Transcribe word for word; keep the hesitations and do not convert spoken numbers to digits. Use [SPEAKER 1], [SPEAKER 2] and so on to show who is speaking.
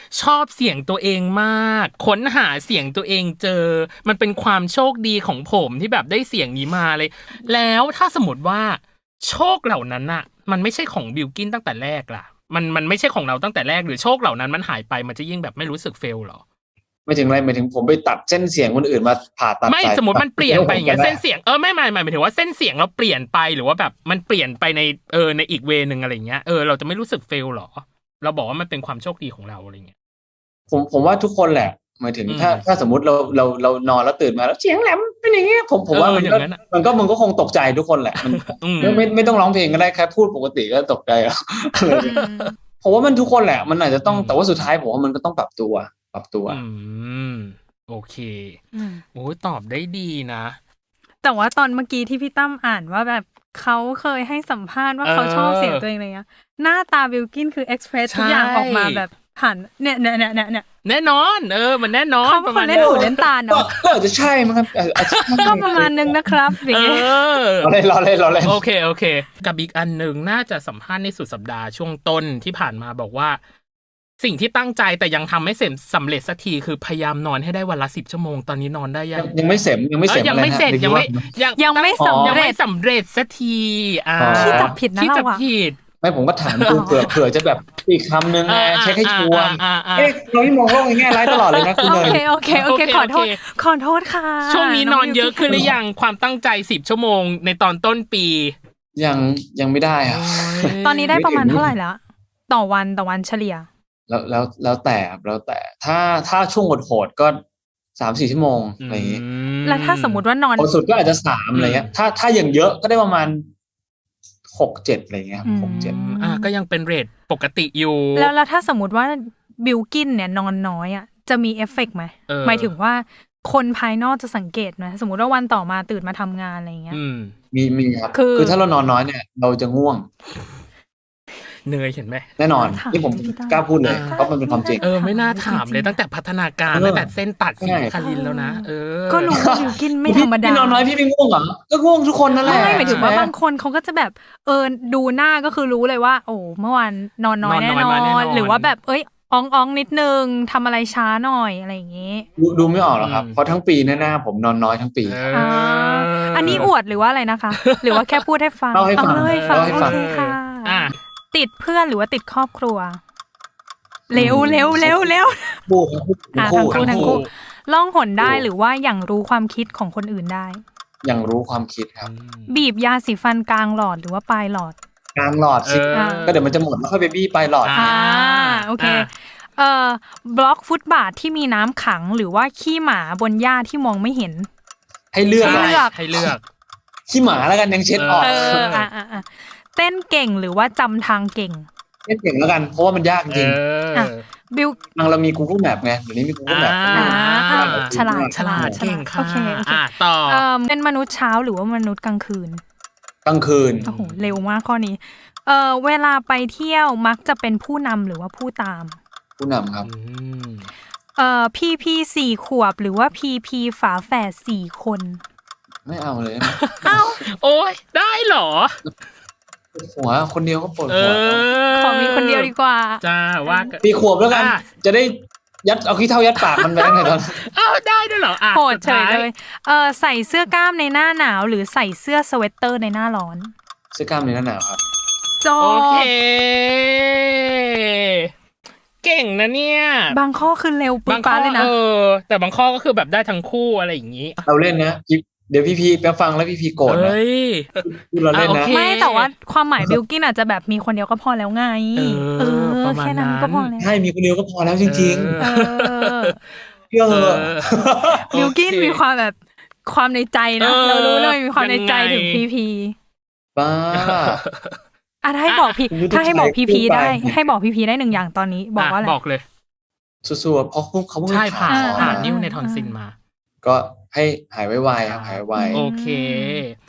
[SPEAKER 1] ชอบเสียงตัวเองมากค้นหาเสียงตัวเองเจอมันเป็นความโชคดีของผมที่แบบได้เสียงนี้มาเลยแล้วถ้าสมมติว่าโชคเหล่านั้นน่ะมันไม่ใช่ของบิลกินตั้งแต่แรกล่ะมันมันไม่ใช่ของเราตั้งแต่แรกหรือโชคเหล่านั้นมันหายไปมันจะยิ่งแบบไม่รู้สึกเฟลหรอ
[SPEAKER 2] ไม่ถึงอะไรหมายถึงผมไปตัดเส้นเสียงคนอื่นมาผ่าตัด
[SPEAKER 1] ไม่สมมติมันเปลี่ยนไปอย่างเงี้ยเส้นเสียงเออไม่ไม่หมายถึงว่าเส้นเสียงเราเปลี่ยนไปหรือว่าแบบมันเปลี่ยนไปในเออในอีกเวนึงอะไรเงี้ยเออเราจะไม่รู้สึกเฟลหรอเราบอกว่ามันเป็นความโชคดีของเราอะไรเงี้ย
[SPEAKER 2] ผมผมว่าทุกคนแหละหมายถึงถ้าถ้าสมมติเราเราเรานอนแล้วตื่นมาแล้วเสียงแหลมเป็นอย่างเงี้ยผมผมว่ามันก็มันก็มันก็คงตกใจทุกคนแหละมันไม่ไม่ไม่ต้องร้องเพลงก็ได้แค่พูดปกติก็ตกใจแล้วผมว่ามันทุกคนแหละมันอาจจะต้องแต่ว่าสุดท้ายผมว่ามันก็ต้องปรับตัวปรับตัว
[SPEAKER 1] อืมโอเคโอ้ตอบได้ดีนะ
[SPEAKER 3] แต่ว่าตอนเมื่อกี้ที่พี่ตั้มอ่านว่าแบบเขาเคยให้สัมภาษณ์ว่าเขาชอบเสียงตัวเองอะไรเงี้ยหน้าตาบิลกินคือเอ็กเพรสทุกอย่างออกมาแบบผ่านเนี่ยเนี่ยเนี่ยเนี่ย
[SPEAKER 1] แน่นอนเออมันแน่นอน
[SPEAKER 3] ประมาณเล่นหูเล่นตาเนาะ
[SPEAKER 2] ก็อาจจะใช่มั้งครับ
[SPEAKER 3] ก็ประมาณนึงนะครับ
[SPEAKER 1] เออ
[SPEAKER 2] เราเล่นเราเล่นเราเล่น
[SPEAKER 1] โอเคโอเคกับอีกอันนึงน่าจะสัมภาษณ์ในสุดสัปดาห์ช่วงต้นที่ผ่านมาบอกว่าสิ่งที่ตั้งใจแต่ยังทำไม่เสร็จสำเร็จสักทีคือพยายามนอนให้ได้วันละสิบชั่วโมงตอนนี้นอนได้ยัง
[SPEAKER 2] ยังไม่เสร็จยังไม่เสร็จ
[SPEAKER 1] ยังไม่เสร็จยังไม่
[SPEAKER 3] ยังยังไม่สำเร็จ
[SPEAKER 1] ยังไม่สำเร็จสักทีอ่า
[SPEAKER 3] ที่จับผิดนะเราอะ
[SPEAKER 2] ไม่ผมก็ถามดูเผื่อเผื่อจะแบบอีกคำนึงไงเช็คให้ชัวร์เอ๊ะเราไม่มองโลกในแง่ร้ายตลอดเลยนะคุณ
[SPEAKER 3] เนยโอเคโอเคโอเคขอโทษขอโทษค่ะ
[SPEAKER 1] ช่วงนี้นอนเยอะขึ้นหรือยังความตั้งใจสิบชั่วโมงในตอนต้นปี
[SPEAKER 2] ยังยังไม่ได้อ่ะ
[SPEAKER 3] ตอนนี้ได้ประมาณเท่าไหร่แล้วต่อวันต่อวันเฉลี่ย
[SPEAKER 2] แล้วแล้วแล้วแต่แล้วแต่ถ้าถ้าช่วงโหดๆก็สามสี่ชั่วโมงอะไรอย่างงี้
[SPEAKER 3] แล้วถ้าสมมติว่านอน
[SPEAKER 2] สุดก็อาจจะสามอะไรเงี้ยถ้าถ้าอย่างเยอะก็ได้ประมาณหกเจ็ดอะไรเงี้ยหกเจ็ด
[SPEAKER 1] อ่าก็ยังเป็นเรทปกติอยู่
[SPEAKER 3] แล้วแล้วถ้าสมมติว่าบิลกินเนี่ยนอนน้อยอ่ะจะมีเอฟเฟกต์ไหมหมายถึงว่าคนภายนอกจะสังเกตไหมสมมติว่าวันต่อมาตื่นมาทำงานอะไรเงี้ย
[SPEAKER 2] มีมีครับคือถ้าเรานอนน้อยเนี่ยเราจะง่วง
[SPEAKER 1] เนยเห็นไหม
[SPEAKER 2] แน่นอนที่ผมกล้าพูดเลยเพราะมันเป็นความจริง
[SPEAKER 1] เออไม่น่าถามเลยตั้งแต่พัฒนาการตั้งแต่เส้นตัดสีคารินแล้วนะเออ
[SPEAKER 3] ก็รู้ว่าบิลกินไม่ธรรมดา
[SPEAKER 2] พี่นอนน้อยพี่ไม่ง่วงเหรอก็ง่วงทุกคนนั่นแหละ
[SPEAKER 3] ไม่หมายถึงว่าบางคนเขาก็จะแบบเออดูหน้าก็คือรู้เลยว่าโอ้เมื่อวานนอนน้อยแน่นอนหรือว่าแบบเอ้ยอ่องอ่องนิดนึงทำอะไรช้าหน่อยอะไรอย่างงี้
[SPEAKER 2] ดูไม่ออกหรอกครับเพราะทั้งปีหน้าผมนอนน้อยทั้งปี
[SPEAKER 3] อ่าอันนี้อวดหรือว่าอะไรนะคะหรือว่าแค่พูดให้ฟัง
[SPEAKER 2] เล่าให้ฟัง
[SPEAKER 3] เล่าให้ฟังโอเคค่ะติดเพื่อนหรือว่าติดครอบครัวเร็วเร็วเร็วเร็วทั้งคู่ทั้งคู่ล่องหนได้หรือว่าอย่างรู้ความคิดของคนอื่นได้
[SPEAKER 2] อย่างรู้ความคิดครับ
[SPEAKER 3] บีบยาสีฟันกลางหลอดหรือว่าปลายหลอด
[SPEAKER 2] กลางหลอดสิก็เดี๋ยวมันจะหมดแล้วค่อยไปบี้ปลายหลอด
[SPEAKER 3] อ่าโอเคเอ่อบล็อกฟุตบาทที่มีน้ำขังหรือว่าขี้หมาบนหญ้าที่มองไม่เห็น
[SPEAKER 2] ให้เลือก
[SPEAKER 1] ให้เลือกให้เลือก
[SPEAKER 2] ขี้หมาแล้วกันยังเช็ดออก
[SPEAKER 3] เอออ่าๆเต้นเก่งหรือว่าจำทางเก่ง
[SPEAKER 2] เต้นเก่งแล้วกันเพราะว่ามันยากจริง
[SPEAKER 3] อ่ะบิล
[SPEAKER 2] บางเรามี Google Map ไงเดี๋ยวนี้มี Google Map
[SPEAKER 3] ฉลาดฉลาด
[SPEAKER 1] เก่งค่ะ
[SPEAKER 3] โอเค
[SPEAKER 1] อ่ะต่อ
[SPEAKER 3] เอ่อเป็นมนุษย์เช้าหรือว่ามนุษย์กลางคืน
[SPEAKER 2] กลางคืน
[SPEAKER 3] โอ้โหเร็วมากข้อนี้เอ่อเวลาไปเที่ยวมักจะเป็นผู้นำหรือว่าผู้ตาม
[SPEAKER 2] ผู้นำครับ
[SPEAKER 3] เอ่อพีพีสี่ขวบหรือว่าพีพีฝาแฝดสี่คน
[SPEAKER 2] ไม่เอาเลย
[SPEAKER 3] เอ้า
[SPEAKER 1] โอ้ยได้เหรอ
[SPEAKER 2] หัวคนเดียวก็ปวดหัว
[SPEAKER 3] ขอมีคนเดียวดีกว่า
[SPEAKER 1] จ้าว่า
[SPEAKER 2] ปีขวบแล้วกันจะได้ยัดเอาขี้เท่ายัดปากมันไปไงตอน
[SPEAKER 1] อ้าวได้ด้วยเหรออ่ะ
[SPEAKER 3] โหดเฉยเลยเออใส่เสื้อกล้ามในหน้าหนาวหรือใส่เสื้อสเวตเตอร์ในหน้าร้อน
[SPEAKER 2] เสื้อกล้ามในหน้าหนาวครับ
[SPEAKER 3] จบ
[SPEAKER 1] โอเคเก่งนะเนี่ย
[SPEAKER 3] บางข้อคือเร็วปุ๊บปั๊บเลยนะ
[SPEAKER 1] เออแต่บางข้อก็คือแบบได้ทั้งคู่อะไรอย่างนี้
[SPEAKER 2] เราเล่นนะเดี๋ยวพี่พีไปฟังแล้วพี่พีโกรธนะเราเล่นนะ
[SPEAKER 3] ไม่แต่ว่าความหมายบิลกินอาจจะแบบมีคนเดียวก็พอแล้วไงเออแค่นั้นก็พอแล้ว
[SPEAKER 2] ใช่มีคนเดียวก็พอแล้วจริงๆเออเออ
[SPEAKER 3] บิลกินมีความแบบความในใจนะเรารู้เลยมีความในใจถึงพีพี
[SPEAKER 2] บ้า
[SPEAKER 3] อ่ะถ้าให้บอกพี่ถ้าให้บอกพีพีได้ให้บอกพีพีได้หนึ่งอย่างตอนนี้บอกว่าอะไร
[SPEAKER 1] บอกเลย
[SPEAKER 2] สู้ๆเพราะเขาเพิ่ง
[SPEAKER 1] ใช่ผ่านผ่านนิ้วในทอนซิลมา
[SPEAKER 2] ก็ให้หายไวๆครับหายไว
[SPEAKER 1] โอเค